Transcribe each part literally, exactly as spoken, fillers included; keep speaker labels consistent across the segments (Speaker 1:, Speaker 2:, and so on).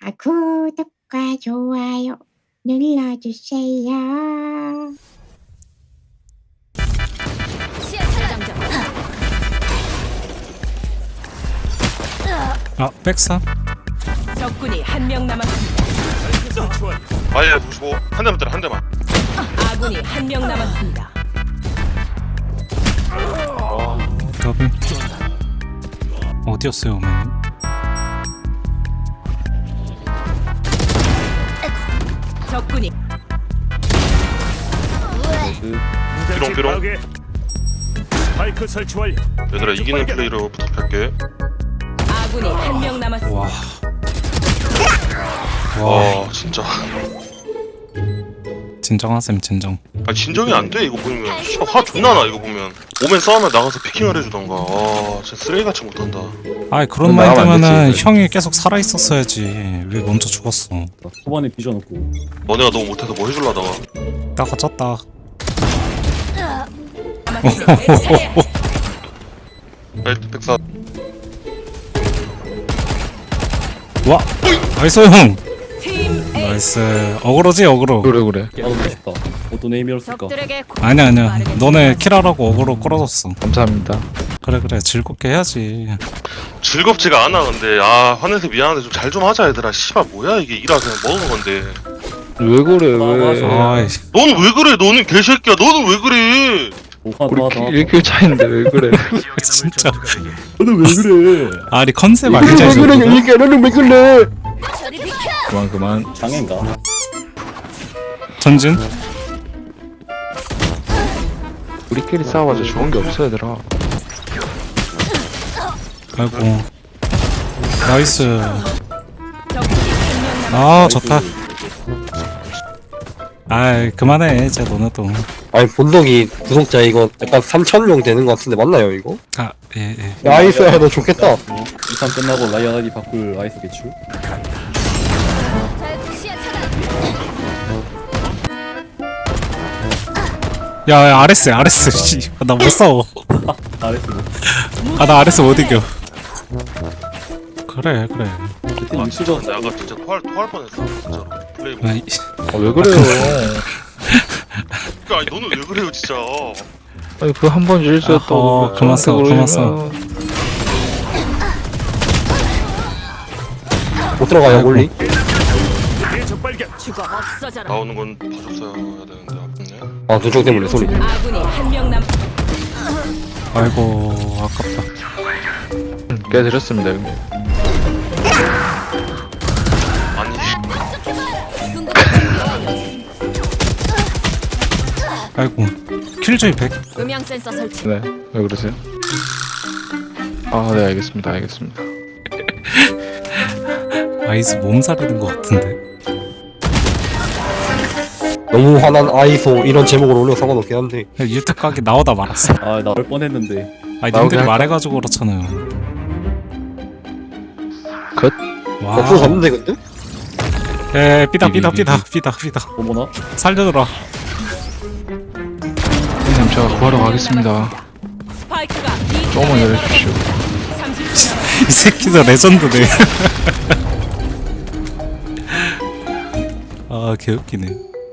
Speaker 1: 아, 구독과 좋아요 눌러주세요.
Speaker 2: 아, 백사?
Speaker 3: 적군이 한 명 남았습니다.
Speaker 4: 아예 보시고 한 대만 때려 한 대만.
Speaker 3: 아군이 한 명 남았습니다.
Speaker 2: 더블 어디였어요, 어머님?
Speaker 3: 적군이
Speaker 4: 비롱 비롱.
Speaker 5: 스파이크 설치 완료.
Speaker 4: 얘들아 이기는 플레이로 부탁할게.
Speaker 3: 아군이 한 명 남았습니다.
Speaker 2: 와. 와,
Speaker 4: 와 진짜.
Speaker 2: 진정하셈, 진정.
Speaker 4: 아 진정이 안 돼 이거 보면. 씨발 화 존나 나 이거 보면. 오면 싸우면 나가서 피킹을 해주던가. 아 진짜 쓰레기같이 못한다.
Speaker 2: 아이, 그런
Speaker 6: 나가면 안
Speaker 2: 마인드면은
Speaker 6: 되지,
Speaker 2: 형이 계속 살아있었어야지. 왜 먼저 죽었어?
Speaker 5: 초반에 뒤져놓고.
Speaker 4: 너네가 너무 못해서 뭐 해줄라다가.
Speaker 2: 따가 쪘다.
Speaker 4: 백- 백사.
Speaker 2: 와! 나이스, 형!
Speaker 3: 팀 A
Speaker 2: 나이스. 어그로지, 어그로.
Speaker 6: 그래 그래
Speaker 5: 깨닫고 싶다. 어떤 에임이었을까?
Speaker 3: 적들에게
Speaker 2: 아니야, 아니야. 너네 킬하라고 어그로 끌어줬어.
Speaker 6: 감사합니다.
Speaker 2: 그래, 그래. 즐겁게 해야지.
Speaker 4: 즐겁지가 않아 근데. 아 화내서 미안한데 좀 잘 좀 하자 얘들아. 씨발 뭐야 이게 일하 그냥 먹은 건데.
Speaker 6: 왜 그래
Speaker 5: 맞아.
Speaker 6: 왜
Speaker 2: 아이,
Speaker 4: 넌 왜 그래 너는 개새끼야. 너는 왜 그래.
Speaker 5: 오하
Speaker 6: 우리
Speaker 5: 도하 도하.
Speaker 6: 일 킬 차인데 왜 그래
Speaker 2: 진짜.
Speaker 5: 너는 왜 그래?
Speaker 2: 아니, 컨셉 아니지,
Speaker 6: 왜 그래
Speaker 2: 저거?
Speaker 6: 이게 너는 왜 그래 그만 그만
Speaker 5: 장애인가?
Speaker 2: 전진?
Speaker 6: 우리끼리 싸워봐서 좋은 게 없어 얘들아.
Speaker 2: 아이고. 나이스.
Speaker 3: 적군이 한 명 남았습니다.
Speaker 2: 아, 좋다. 아이, 그만해, 이제 너네도.
Speaker 7: 아니 본덕이 구독자 이거 약간 삼천 명 되는 것 같은데 맞나요 이거?
Speaker 2: 아, 예, 예.
Speaker 7: 나이스 야 너 좋겠다.
Speaker 5: 이 판 끝나고 라이언 아이디 바꿀 아이스 개출.
Speaker 2: 야, 야, 아레스, 아레스, 씨. 나 못 싸워.
Speaker 5: 아이스.
Speaker 2: 아, 나 아레스 못 이겨. 그래, 그래.
Speaker 4: 아 진짜 근데 아까 진짜 토할 토할 뻔했어 진짜로. 플레이 보.
Speaker 2: 아이,
Speaker 6: 아, 왜 그래요
Speaker 4: 아니 너는 왜 그래요 진짜.
Speaker 6: 아니 그 한 번 실수였다고
Speaker 2: 어허, 그만 싸워, 그만 싸워.
Speaker 7: 못 들어가요
Speaker 2: 아이고.
Speaker 7: 몰리?
Speaker 5: 대적 발견.
Speaker 3: 죽어 없어져라.
Speaker 4: 나오는 건 봐줬어야 되는데 아쉽네.
Speaker 7: 아 눈총 때문에 소리.
Speaker 3: 아군이 한 명 남.
Speaker 2: 아이고, 아깝다.
Speaker 6: 깨드렸습니다 형님.
Speaker 4: 아니
Speaker 2: 아이고. 킬조이 백.
Speaker 3: 음향 센서 설치.
Speaker 6: 네왜 그러세요? 아 네 알겠습니다 알겠습니다.
Speaker 2: 아이스 몸살이는 것 같은데.
Speaker 7: 너무 화난 아이소 이런 제목으로 올려 상관없긴 한데.
Speaker 2: 유튜브 가게 나오다 말았어.
Speaker 5: 아 나올 뻔했는데.
Speaker 2: 아니,
Speaker 6: 나오게
Speaker 2: 님들이
Speaker 6: 할까?
Speaker 2: 말해가지고 그렇잖아요.
Speaker 6: 컷.
Speaker 2: 와.
Speaker 7: 옆으로 갔는데 근데?
Speaker 2: 에, 삐다, 삐다, 삐다, 삐다, 삐다.
Speaker 5: 어머나.
Speaker 2: 살려줘라.
Speaker 6: 형님 제가 구하러 가겠습니다.
Speaker 3: 스파이크가 B
Speaker 6: 조금만
Speaker 3: 지점에
Speaker 6: 기다려주십시오.
Speaker 3: 떨어졌습니다. 삼십 초
Speaker 2: 이 새끼들 레전드네. 아, 개웃기네.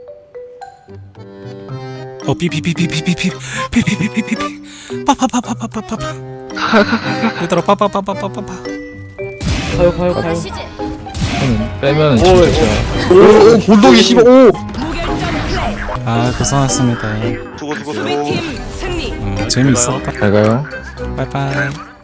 Speaker 2: 어, 삐삐삐삐삐삐삐삐삐삐삐삐삐 빠빠빠빠빠빠빠. 얘들아, 빠빠빠빠빠빠.
Speaker 5: 파요 파요 파요.
Speaker 6: 형님 빼면은 진짜 제가
Speaker 7: 오, 오 본덕이 씨발 오.
Speaker 3: 무결점 플레이.
Speaker 2: 아, 고생하셨습니다.
Speaker 4: 수고 수고 수고.
Speaker 3: 수비팀 승리.
Speaker 2: 어, 재밌었다.
Speaker 6: 잘 가요.
Speaker 2: 빠이빠이.